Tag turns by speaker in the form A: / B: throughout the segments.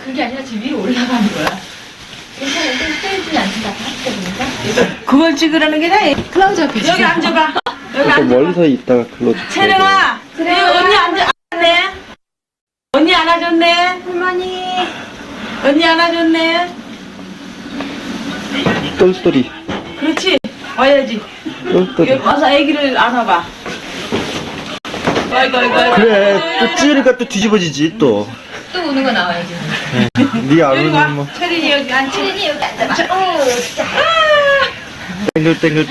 A: 그게 아니라 지금 위로 올라가는 거야. 괜찮은데 세진 않는다. 보니까.
B: 그걸 찍으라는 게 아니야.
A: 클로즈업 해.
B: 여기 앉아봐. 여기 앉아.
C: 멀리서 있다가 글로
B: 채령아, 언니 앉았네. 언니 안아줬네.
A: 할머니.
B: 언니 안아줬네.
C: 똘똘이
B: 그렇지. 와야지.
C: 똘똘이.
B: 여기 와서 아기를 안아봐. 아이고.
C: 그래 또 찌르니까 또 뒤집어지지 또.
A: 또 우는 거 나와야지.
C: 네 안
B: 여기 와.
C: 오는 뭐
B: 채린이 여기 앉아.
A: 채린이 여기 앉아봐. 오, 진짜.
C: 땡글.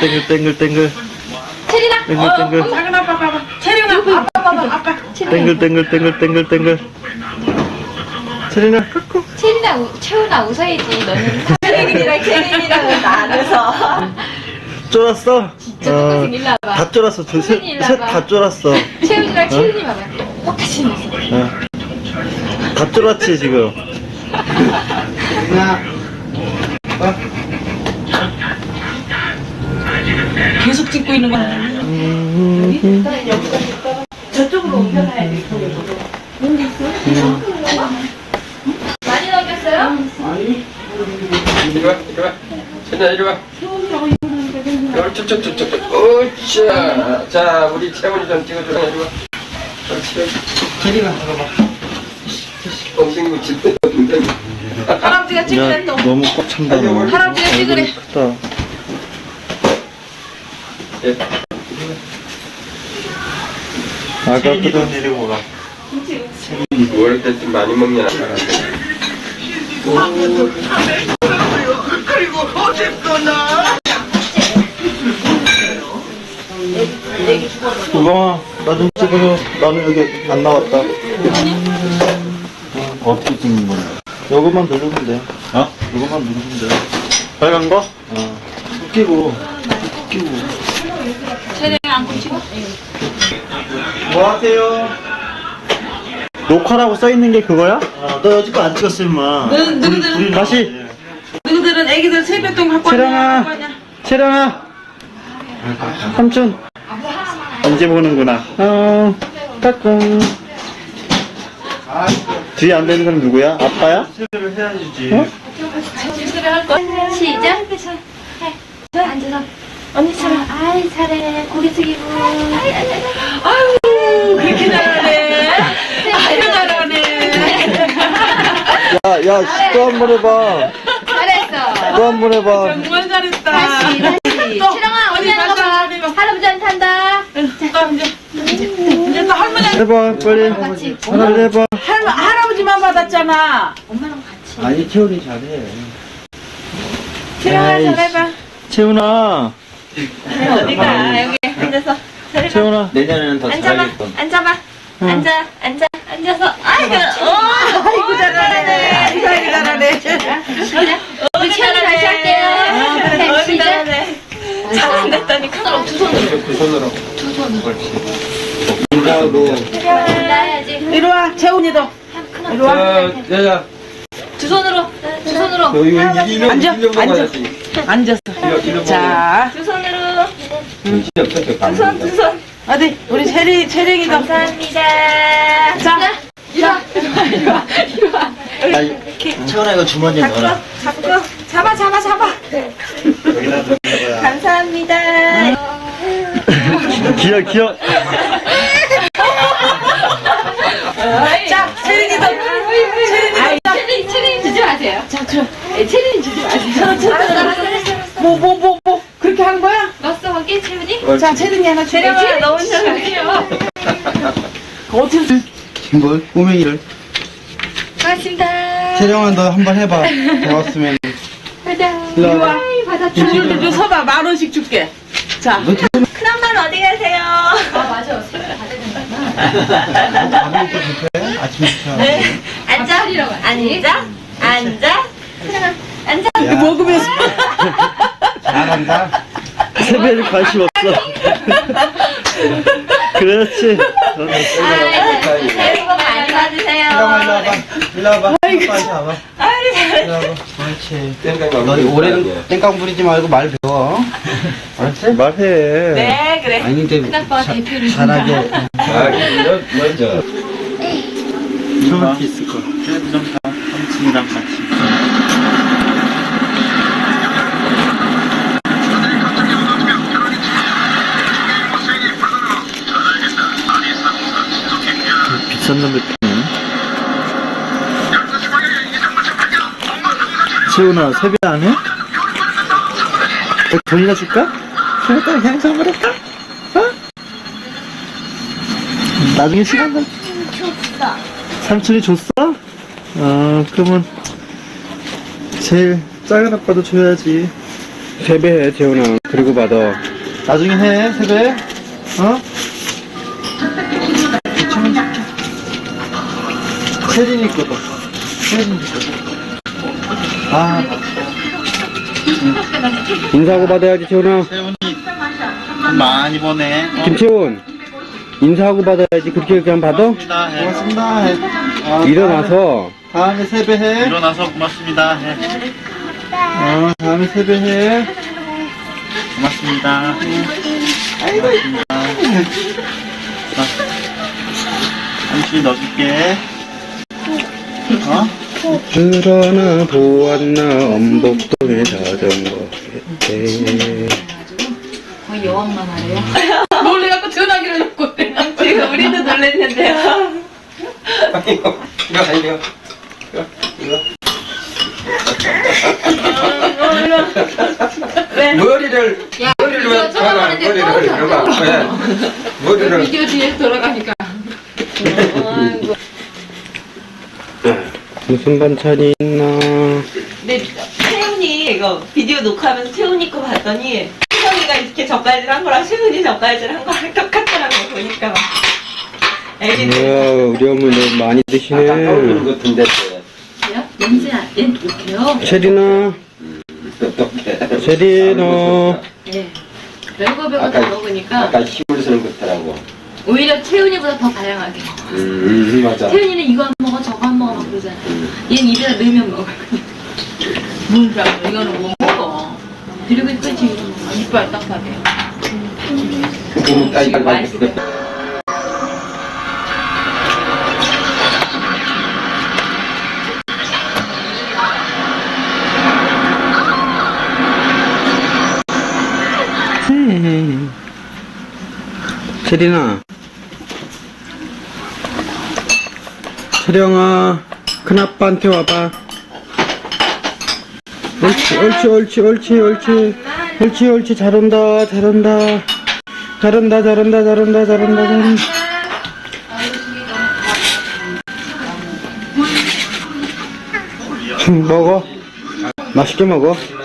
A: 채린아.
C: 땡글.
B: 작은 아빠 봐봐. 채령아, 아빠 봐봐. 아빠.
C: 땡글. 채린아 끄고.
A: 채훈아 웃어야지. 너는 채린이랑 채린이랑은 나눠서.
C: 쫄았어?
A: 진짜 똑같이 일로 와봐.
C: 다 쫄았어.
A: 채린이 일로 와봐.
C: 셋다 쫄았어.
A: 채훈이랑 채린이 봐봐. 똑같이 생겼어.
C: 다 쫄았지 지금.
B: 계속 찍고 있는 거야. 저쪽으로 옮겨놔야 돼.
A: 많이 넘겼어요?
D: 이리 와. 채나 이리 와. 쭉. 오차. 자, 우리 채원이 좀 찍어줘. 이리 와.
C: 채린아 잠깐만.
D: 엉덩이 묻힌다. 엉덩이.
B: 할아버지가 찍으래 또.
C: 너무 꽉 찬다. 너.
B: 할아버지가 찍으래.
C: 얼굴이 크다.
D: 예.
C: 아까보다 내려오라.
D: 뭘 때쯤 많이 먹냐.
C: 우광아 나 좀 찍어줘. 나는 여기 안 나왔다. 어떻게 찍는 거야? 요것만 누르면 돼. 어? 요것만 누르면 돼. 빨간 거? 끼고.
B: 채령이 안고 찍어.
C: 뭐 하세요? 녹화라고 써있는 게 그거야? 너 여지껏 안 찍었어 임마.
B: 누구들은
C: 다시.
B: 누구들은 애기들 세뱃돈 갖고
C: 채령아. 채령아. 삼촌. 이제 보는구나. 까꿍. 뒤에 안 되는 사람 누구야? 아빠야? 실수를 해야지. 어?
A: 시작. 해. 앉아서. 언니처럼. 아이, 잘해. 고개 숙이고.
B: 아유, 그렇게 잘하네. 아유, 잘하네.
C: 야, 또 한 번 해봐.
A: 잘했어.
C: 또 한 번 해봐.
B: 정말 잘했다.
A: 다시. 채령아, 언니 하는 거 봐. 할아버지한테 한다.
B: 이제 또 할머니,
C: 해봐, 빨리.
A: 같이.
C: 하나 해봐.
B: 할아버지만 받았잖아.
A: 엄마랑 같이.
C: 아니, 채훈이 잘해.
B: 채령아,
C: 에이씨.
B: 잘해봐.
C: 채훈아.
B: 어디가, 여기 앉아서.
C: 채훈아.
E: 내년에는 더 잘하겠군.
A: 앉아봐. 앉아서.
B: 아이고, 잘하네. 아이고, 잘하네.
A: 우리 채훈이 다시 할게요. 네, 시작.
B: 잘한댔더니 그럼 두 손으로.
D: 그 손으로.
C: 인사하고.
A: 나야지.
B: 이리 와, 채훈이도. 이리 와.
D: 야.
A: 두 손으로.
D: 이거
B: 앉아.
D: 먹어야지.
B: 앉았어.
D: 이거
B: 자,
A: 두 손으로.
D: 두 손.
B: 어디, 우리 채령이도.
A: 감사합니다.
B: 자,
A: 이리 와.
C: 채훈아, 이거 주머니에 넣어라.
B: 잡아.
C: 여기다 넣는 거야.
A: 감사합니다.
C: 기억.
B: 자, 채령이도.
A: 체린이 주지 마세요. 자, 체린이 주지 마세요. 알았어.
B: 뭐. 그렇게 하는 거야?
A: 넣었어, 거기 채훈이?
B: 자, 채령이 하나 줄게.
A: 너 혼자 할게요.
B: 어떻게.
C: 뭘? 꼬맹이를.
A: 고맙습니다.
C: 채령아, 너 한번 해봐. 배웠으면.
A: 가자.
C: 일로 와봐.
B: 이리 서봐, 10,000원씩 줄게. 자.
A: 큰엄마는 어디 가세요? 아, 맞아. 새우를 가져야 되는구나.
C: 아침부터.
A: 네. 앉아. 앉아.
B: 이거 먹으면서.
C: 잘한다. 세배를 관심 없어. 그렇지.
A: 새해 복 많이 받으세요.
C: 일로 와봐. 빨리 와봐. 일로 와봐. 그렇지. 너 올해는 땡깡 부리지 말고 말 배워. 알았지? 말해.
B: 네, 그래.
C: 아니 근데
A: 큰아빠 대표를
C: 잘하게.
D: 먼저.
C: 이렇게 있을 거야. 삼촌이랑 같이. 비싼 놈 뱉네. 세훈아, 세배 안 해? 돈이나 줄까? 세훈아, 그냥 선물할까? 어? 나중에 시간 날.
A: 줬어.
C: 삼촌이 줬어? 그러면 제일 작은 아빠도 줘야지.
E: 세배해, 재훈아. 그리고 받아.
C: 나중에 해, 세배. 어? 괜찮은 줄게. 세린이 거다. 세린이 거다. 아,
E: 인사하고 받아야지, 재훈아.
C: 세훈이 돈 많이 버네.
E: 김채훈. 인사하고 받아야지. 그렇게 그냥 받아?
C: 고맙습니다. 해. 고맙습니다. 해.
E: 일어나서.
C: 다음에 세배해. 일어나서 고맙습니다. 해. 다음에 세배해. 고맙습니다. 고맙습니다. 삼촌이 넣어줄게. 어?
E: 그러나 보았나 엄복동의 자전거 에
A: 거의 여왕만 하래요.
B: 놀래갖고 전화기를 놓고
A: 지금 우리도 놀랬는데요.
D: 이거 아니요. 머리를 왜
A: 쳐다보는데
D: 머리를
A: 또
D: 이러고 왜 머리를
B: 비디오 뒤에 돌아가니까
E: 무슨 반찬이 있나.
F: 네, 채훈이 이거 비디오 녹화하면서 채훈이 거 봤더니 채훈이가 이렇게 젓갈질 한 거랑 채훈이 젓갈질 한 거랑 똑같더라고 보니까 막. 애기들
E: 이야, 우리 어머니 너무 많이
D: 아까 떠오르는
E: 드시네.
D: 같은데
A: 냄새 얘는 독해요.
E: 체리나,
D: 어떻게
E: 체리나.
A: 네. 별거 별거 다 먹으니까
D: 아까 힘을 쓰는 것 같더라고.
A: 오히려 채훈이보다 더 다양하게.
D: 맞아.
A: 채훈이는 이거 안 먹어 저거 안 먹어 막 그러잖아. 얘는 입에다 넣으면 먹어.
B: 뭔가 이거는 못 먹어.
A: 그리고 또 지금
B: 이빨 딱딱해.
D: 그거는 따위가
A: 맛있어.
E: 체리나. 체령아, 큰아빠한테 와봐. 옳지, 옳지, 옳지, 옳지, 옳지. 옳지, 옳지, 잘한다, 잘한다. 잘한다, 잘한다, 잘한다, 잘한다, 잘한다. 먹어. 맛있게 먹어.